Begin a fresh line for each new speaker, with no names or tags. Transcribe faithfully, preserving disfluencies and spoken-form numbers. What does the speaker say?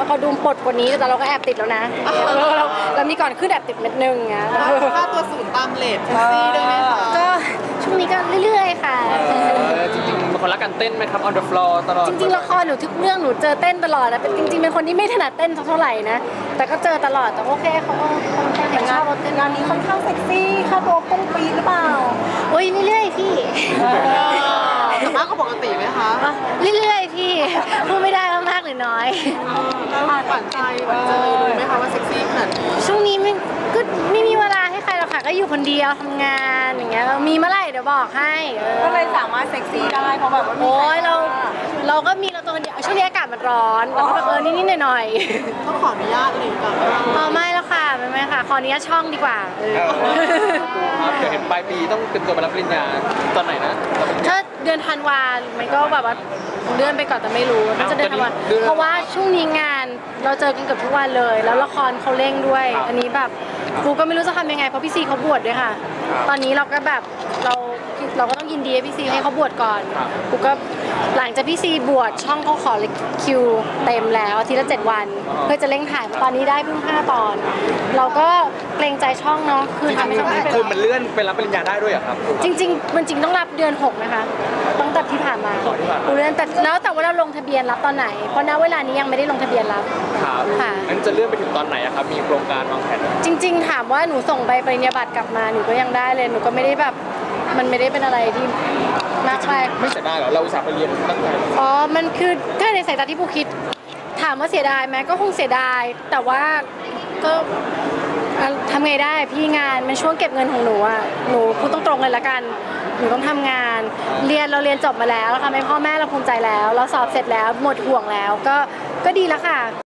พอดูปลดกว่านี้แต่เราก็แอบติดแล้วนะเราเราเรามีก่อนขึ้นแอบติดเม็ดนึงอ่ะ
ค่าตัวสูงตามเลทแท็กซี่ได้ไหมคะ
ก็ช่วงนี้ก็เรื่อยๆค่ะ
จริงๆเป็นคนรักการเต้นไหมครับ on the floor ตลอด
จริงๆละครหนูทุกเรื่องหนูเจอเต้นตลอดนะเป็นจริงๆเป็นคนที่ไม่ถนัดเต้นเท่าไหร่นะแต่ก็เจอตลอดแต่โอเคเขาก็เห็นชอบเต้นงานนี้ค่อนข้างเซ็กซี่ค่าตัวพุ่งปีหรือเปล่าโอ้ยเรื่อยๆพี่
แต่มากกว่าปกติไหมคะ
เรื่อยๆพี่พูดไม่ได้ว่ามากหรือน้อย
แล้วหวานใจหวานใจรู้ไหมคะว่าเซ็กซี่ขนาดนี้
ช่วงนี้ไม่ก็ไม่มีเวลาให้ใครหรอกค่ะก็อยู่คนเดียวทำงานอย่างเงี้ยมีเมื่อไหร่เดี๋ยวบอกให้
ก็เลยสามารถเซ็กซี่ได้เพราะแบบว่า
โอ้ยเราเราก็มีเราตัวคนเดียวช่วงนี้อากาศมันร้อนเราก็แบบเออนิดๆหน่อย
ๆต้องขออนุญาตหรือเปล่า
อ๋อไม่แล้วค่ะไม่ไม่ค่ะขออนุญาตช่องดีกว่า
ครับเดี๋ยวเห็นปลายปีต้องเตรียมตัวไปรับปริญญาตอนไหนนะ
ถ้าเดือนธันวามันก็แบบว่าเดือนไปก่อนแต่ไม่รู้น่าจะเดือนธันวาเพราะว่าช่วงนี้งานเราเจอกันเกือบทุกวันเลยแล้วละครเขาเร่งด้วยอันนี้แบบกูก็ไม่รู้จะทำยังไงเพราะพี่ซีเขาบวชด้วยค่ะตอนนี้เราก็แบบเราเราก็ต้องยินดีให้พี่ซีให้เขาบวชก่อนกูก็หลังจากพี่ซีบวชช่องเขาขอคิวเต็มแล้วทีละเจ็ดวันเพื่อจะเร่งถ่ายตอนนี้ได้เพิ่งห้าตอนเราก็เกรงใจช่องเนาะคือทำให้ช่องไม่เป็น
คือมันเลื่อนไปรับปริญญาได้ด้วยครับ
จริงๆมันจริงต้องรับเดือนหกนะคะตั้งแต่ที่ผ่านมากูเลื่อนแต่แล้วแต่ว่าเราลงทะเบียนรับตอนไหนเพราะณเวลานี้ยังไม่ได้ลงทะเบียนรับ
ครับค่ะงั้นจะเลื่อนไปถึงตอนไหนครับมีโครงการวางแผน
จริงๆถามว่าหนูส่งใบปริญญาบัตรกลับมาหนูก็ยังได้เลยหนูก็ไม่ได้แบบมันไม่ได้เป็นอะไรที่มากไป
ไม่เสียดายเหรอเราอุตส่าห์ไปเรียนตั้งใจ
อ๋อมันคือถ้าในสายตาที่ผู้คิดถามว่าเสียดายไหมก็คงเสียดายแต่ว่าก็ทำไงได้พี่งานมันช่วงเก็บเงินของหนูอ่ะหนูพูดตรงๆเลยละกันหนูต้องทำงานเรียนเราเรียนจบมาแล้วทำให้พ่อแม่เราภูมิใจแล้วเราสอบเสร็จแล้วหมดห่วงแล้วก็ก็ดีแล้วค่ะ